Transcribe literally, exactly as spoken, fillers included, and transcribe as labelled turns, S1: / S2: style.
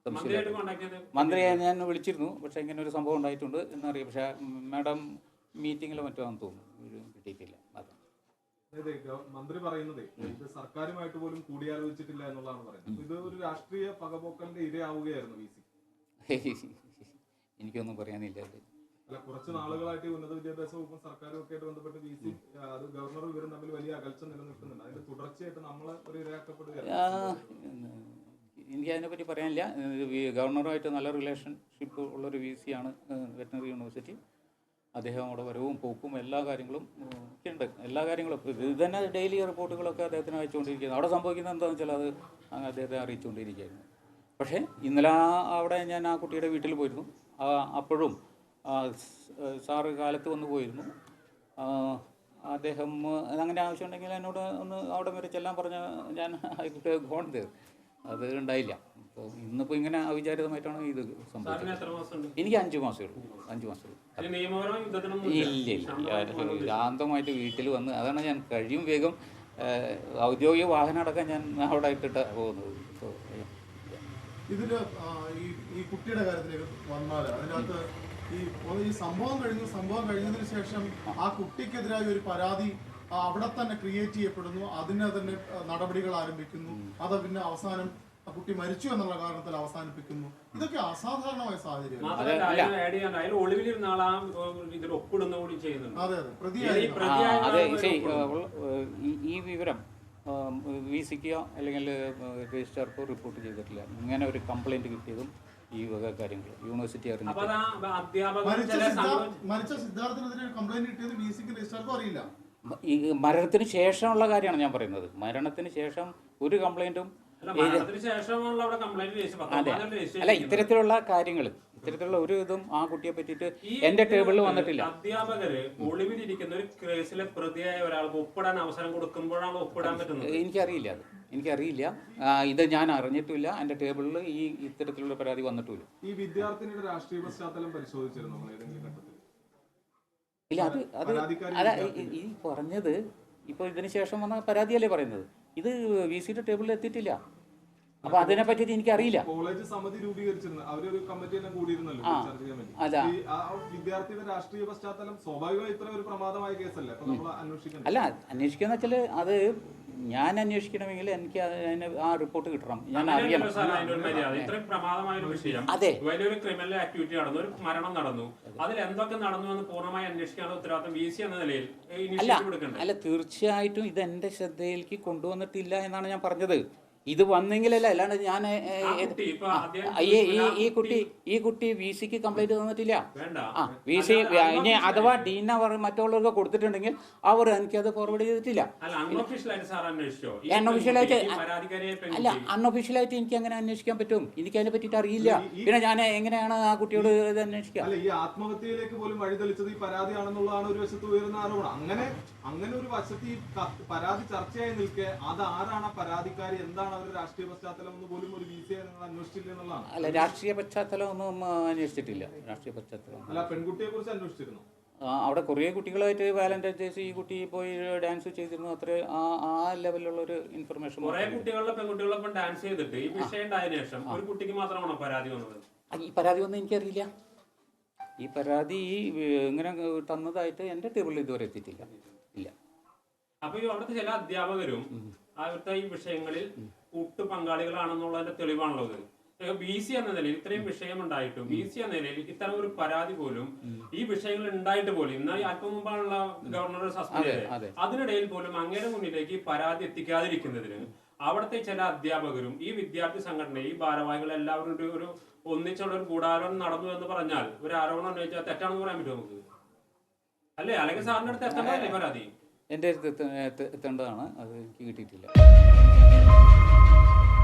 S1: സംശയമില്ല. മന്ത്രിയെ ഞാൻ വിളിച്ചിരുന്നു, പക്ഷേ ഇങ്ങനെ ഒരു സംഭവം ഉണ്ടായിട്ടുണ്ട് എന്നറിയാം. പക്ഷേ മാഡം മീറ്റിങ്ങിലോ മറ്റോ ആണെന്ന് തോന്നുന്നു, കിട്ടിയിട്ടില്ല. അതെ,
S2: മന്ത്രി പറയുന്നത് ഇത് സർക്കാരുമായിട്ട് പോലും കൂടിയാലോചിച്ചിട്ടില്ല എന്നുള്ളതാണ് പറയുന്നത്. ഇത് ഒരു രാഷ്ട്രീയ പകപോക്കലിന്റെ ഇരയാവുകയായിരുന്നു വി സി.
S1: എനിക്കൊന്നും പറയാനില്ല.
S2: അല്ല, കുറച്ച് നാളുകളായിട്ട് ഉന്നത വിദ്യാഭ്യാസ വകുപ്പും സർക്കാരും ഒക്കെ ആയിട്ട് ബന്ധപ്പെട്ട് വി സി അത് ഗവർണറും ഇവരും തമ്മിൽ വലിയ അകൽച്ച നിലനിൽക്കുന്നുണ്ട്. അതിന്റെ തുടർച്ചയായിട്ട് നമ്മൾ ഒരു ഇരയാക്കപ്പെടുകയാണ്.
S1: എനിക്ക് അതിനെപ്പറ്റി പറയാനില്ല. ഗവർണറുമായിട്ട് നല്ല റിലേഷൻഷിപ്പ് ഉള്ളൊരു വി സി ആണ് വെറ്ററിനറി യൂണിവേഴ്സിറ്റി. അദ്ദേഹം അവിടെ വരവും പോക്കും എല്ലാ കാര്യങ്ങളും ഒക്കെ ഉണ്ട്. എല്ലാ കാര്യങ്ങളും ഇത് തന്നെ ഡെയിലി റിപ്പോർട്ടുകളൊക്കെ അദ്ദേഹത്തിന് അയച്ചുകൊണ്ടിരിക്കുന്നത്. അവിടെ സംഭവിക്കുന്നത് എന്താണെന്ന് വെച്ചാൽ അത് അദ്ദേഹത്തെ അറിയിച്ചുകൊണ്ടിരിക്കുകയായിരുന്നു. പക്ഷേ ഇന്നലെ അവിടെ ഞാൻ ആ കുട്ടിയുടെ വീട്ടിൽ പോയിരുന്നു. അപ്പോഴും സാറ് കാലത്ത് വന്ന് പോയിരുന്നു. അദ്ദേഹം അങ്ങനെ ആവശ്യമുണ്ടെങ്കിൽ എന്നോട് ഒന്ന് അവിടെ വരെ ചെല്ലാൻ പറഞ്ഞ ഞാൻ ആയിക്കോട്ടെ ഗോൺ തേർ. അത് ഉണ്ടായില്ല. അപ്പോൾ ഇന്നിപ്പോൾ ഇങ്ങനെ അവിചാരിതമായിട്ടാണ് ഇത് സംഭവിച്ചത്. എനിക്ക് അഞ്ച് മാസമേ ഉള്ളൂ. അഞ്ച് മാസമേ ഉള്ളൂ. ഇല്ല ഇല്ല ശാന്തമായിട്ട് വീട്ടിൽ വന്ന്, അതാണ് ഞാൻ കഴിയും വേഗം ഔദ്യോഗിക വാഹനം അടക്കം ഞാൻ അവിടെ ഇട്ടിട്ട് പോകുന്നത്.
S3: ഇതില് ഈ കുട്ടിയുടെ കാര്യത്തിലേക്ക് വന്നാൽ അതിനകത്ത് ഈ ഈ സംഭവം കഴിഞ്ഞു സംഭവം കഴിഞ്ഞതിന് ശേഷം ആ കുട്ടിക്കെതിരായ ഒരു പരാതി അവിടെ തന്നെ ക്രിയേറ്റ് ചെയ്യപ്പെടുന്നു, അതിനെ തന്നെ നടപടികൾ ആരംഭിക്കുന്നു, അത് പിന്നെ അവസാനം കുട്ടി മരിച്ചു എന്നുള്ള കാരണത്തിൽ അവസാനിപ്പിക്കുന്നു. ഇതൊക്കെ അസാധാരണമായ സാഹചര്യം.
S2: അതെ
S1: അതെ അതെ ഈ വിവരം വി സിക്കോ അല്ലെങ്കിൽ രജിസ്ട്രാർക്കോ റിപ്പോർട്ട് ചെയ്തിട്ടില്ല. ഇങ്ങനെ ഒരു കംപ്ലൈൻറ്റ് കിട്ടിയതും ഈ വക കാര്യങ്ങൾ യൂണിവേഴ്സിറ്റി അറിഞ്ഞിട്ട്
S3: മരിച്ച സിദ്ധാർത്ഥിനെതിരെ കംപ്ലൈൻറ്റ് കിട്ടിയത് വി സിക്ക് രജിസ്ട്രാർക്കോ അറിയില്ല.
S1: ഈ മരണത്തിന് ശേഷമുള്ള കാര്യമാണ് ഞാൻ പറയുന്നത്. മരണത്തിന് ശേഷം ഒരു കംപ്ലൈൻറ്റും അതെ അല്ല ഇത്തരത്തിലുള്ള കാര്യങ്ങൾ ഇത്തരത്തിലുള്ള ഒരു ഇതും ആ കുട്ടിയെ പറ്റിയിട്ട് എന്റെ ടേബിളിൽ വന്നിട്ടില്ല.
S4: അധ്യാപകര് ഒളിവിലിരിക്കുന്ന ഒരു കേസിലെ പ്രതിയായ ഒരാൾക്ക് ഒപ്പിടാൻ അവസരം കൊടുക്കുമ്പോഴാണ് ഒപ്പിടാൻ പറ്റുന്നത്.
S1: എനിക്കറിയില്ല, അത് എനിക്കറിയില്ല. ഇത് ഞാൻ അറിഞ്ഞിട്ടില്ല. എന്റെ ടേബിളിൽ ഈ ഇത്തരത്തിലുള്ള പരാതി വന്നിട്ടില്ല.
S2: ഈ വിദ്യാർത്ഥിനിയുടെ രാഷ്ട്രീയ പശ്ചാത്തലം പരിശോധിച്ചിരുന്നു ഏതെങ്കിലും ഘട്ടത്തിൽ?
S1: ഇല്ല, അത് അത് അല്ല ഈ പറഞ്ഞത് ഇപ്പോൾ ഇതിന് ശേഷം വന്ന പരാതിയല്ലേ പറയുന്നത്. ഇത് വി സിയുടെ ടേബിളിൽ എത്തിയിട്ടില്ല. അപ്പൊ അതിനെ പറ്റിയിട്ട് എനിക്കറിയില്ല.
S2: കോളേജ് സമിതി രൂപീകരിച്ചിരുന്നു, അവരൊരു കമ്മിറ്റി എല്ലാം കൂടിയിരുന്നല്ലോ ചർച്ച ചെയ്യാൻ വേണ്ടി. ആ വിദ്യാർത്ഥിയുടെ രാഷ്ട്രീയ പശ്ചാത്തലം സ്വാഭാവികമായി ഇത്ര ഒരു പ്രമാദമായ കേസല്ലേ, അപ്പൊ നമ്മൾ അന്വേഷിക്കണം.
S1: അല്ല അന്വേഷിക്കാന്ന് വെച്ചാല് അത് ഞാൻ അന്വേഷിക്കണമെങ്കിൽ എനിക്ക് ആ റിപ്പോർട്ട് കിട്ടണം, ഞാൻ അറിയണം.
S4: അതെ, വലിയൊരു ക്രിമിനൽ ആക്ടിവിറ്റി നടന്നു, ഒരു മരണം നടന്നു, അതിൽ എന്തൊക്കെ നടന്നു എന്ന് പൂർണ്ണമായി അന്വേഷിക്കാനുള്ള ഉത്തരവാദിത്തം വി സി എന്ന നിലയിൽ
S1: അല്ല തീർച്ചയായിട്ടും ഇത് എന്റെ ശ്രദ്ധയിലേക്ക് കൊണ്ടുവന്നിട്ടില്ല എന്നാണ് ഞാൻ പറഞ്ഞത്. ഇത് വന്നെങ്കിലല്ല, അല്ലാണ്ട് ഞാൻ ഈ കുട്ടി ഈ കുട്ടി വി സിക്ക് കംപ്ലൈന്റ് തന്നിട്ടില്ല. ആ വി സി ഇനി അഥവാ ഡീന മറ്റുള്ളവർക്ക് കൊടുത്തിട്ടുണ്ടെങ്കിൽ അവർ എനിക്കത് ഫോർവേഡ് ചെയ്തിട്ടില്ല. അൺഒഫീഷ്യലായിട്ട് അല്ല അൺഒഫീഷ്യലായിട്ട് എനിക്ക് അങ്ങനെ അന്വേഷിക്കാൻ പറ്റും. എനിക്ക് അതിനെ പറ്റിയിട്ട് അറിയില്ല. പിന്നെ ഞാൻ എങ്ങനെയാണ് ആ കുട്ടിയോട് ഇത് അന്വേഷിക്കുക?
S2: ഈ ആത്മഹത്യയിലേക്ക് പോലും വഴിതെളിച്ചത് ഈ പരാതിയാണെന്നുള്ളതാണ് ഒരു വശത്ത് ഉയർന്ന ആരോപണം. അങ്ങനെ അങ്ങനെ ഒരു വശത്ത് ഈ പരാതി ചർച്ചയായി നിൽക്കെ അത് ആരാണ് പരാതിക്കാരി, എന്താണ് അവരുടെ രാഷ്ട്രീയ പശ്ചാത്തലം എന്ന് പോലും ഒരു വി സി അന്വേഷിച്ചില്ല എന്നുള്ളതാണ്.
S1: അല്ല രാഷ്ട്രീയ പശ്ചാത്തലം ഒന്നും അന്വേഷിച്ചിട്ടില്ല. രാഷ്ട്രീയ പശ്ചാത്തലം
S2: അല്ല പെൺകുട്ടിയെ കുറിച്ച് അന്വേഷിച്ചിരുന്നു.
S1: അവിടെ കുറേ കുട്ടികളായിട്ട് വാലന്റൈൻസ് ഡേയ്സ് ഈ കുട്ടി പോയി ഡാൻസ് ചെയ്തിരുന്നു. അത്ര ആ ആ ലെവലിലുള്ള ഒരു ഇൻഫർമേഷൻ.
S4: കുറെ കുട്ടികളുടെ പെൺകുട്ടികളൊപ്പം ഡാൻസ് ചെയ്തിട്ട് ഈ വിഷയം ഉണ്ടായതിനു ശേഷം ഒരു കുട്ടിക്ക് മാത്രമാണ് പരാതി വന്നത്.
S1: ഈ പരാതി ഒന്നും എനിക്കറിയില്ല. ഈ പരാതി ഇങ്ങനെ തന്നതായിട്ട് എന്റെ ടേബിളിൽ ഇതുവരെ എത്തിയിട്ടില്ല. ഇല്ല.
S4: അപ്പൊ ഈ അവിടുത്തെ ചില അധ്യാപകരും അവിടുത്തെ ഈ വിഷയങ്ങളിൽ കൂട്ടു പങ്കാളികളാണെന്നുള്ളതിന്റെ തെളിവാണുള്ളത്. ബി സി എന്ന നിലയിൽ ഇത്രയും വിഷയം ഉണ്ടായിട്ടും ബി സി എന്ന നിലയിൽ ഇത്തരം ഒരു പരാതി പോലും ഈ വിഷയങ്ങൾ ഉണ്ടായിട്ട് പോലും ഇന്ന് അല്പം മുമ്പാണുള്ള ഗവർണർ സസ്പെൻഡ് ചെയ്തത്, അതിനിടയിൽ പോലും അങ്ങയുടെ മുന്നിലേക്ക് ഈ പരാതി എത്തിക്കാതിരിക്കുന്നതിന് അവിടുത്തെ ചില അധ്യാപകരും ഈ വിദ്യാർത്ഥി സംഘടന ഈ ഭാരവാഹികൾ എല്ലാവരും ഒരു ഒന്നിച്ചുള്ള ഒരു ഗൂഢാലോചന നടന്നു എന്ന് പറഞ്ഞാൽ ഒരു ആരോപണം ഉന്നയിച്ചാൽ തെറ്റാണെന്ന് പറയാൻ പറ്റുമോ നമുക്ക്? അല്ലേ? അല്ലെങ്കിൽ സാറിന്റെ അടുത്ത് എത്തേണ്ടതല്ലേ പരാതി?
S1: എൻ്റെ അടുത്ത് എത്തേണ്ടതാണ്. അത് എനിക്ക് കിട്ടിയിട്ടില്ല.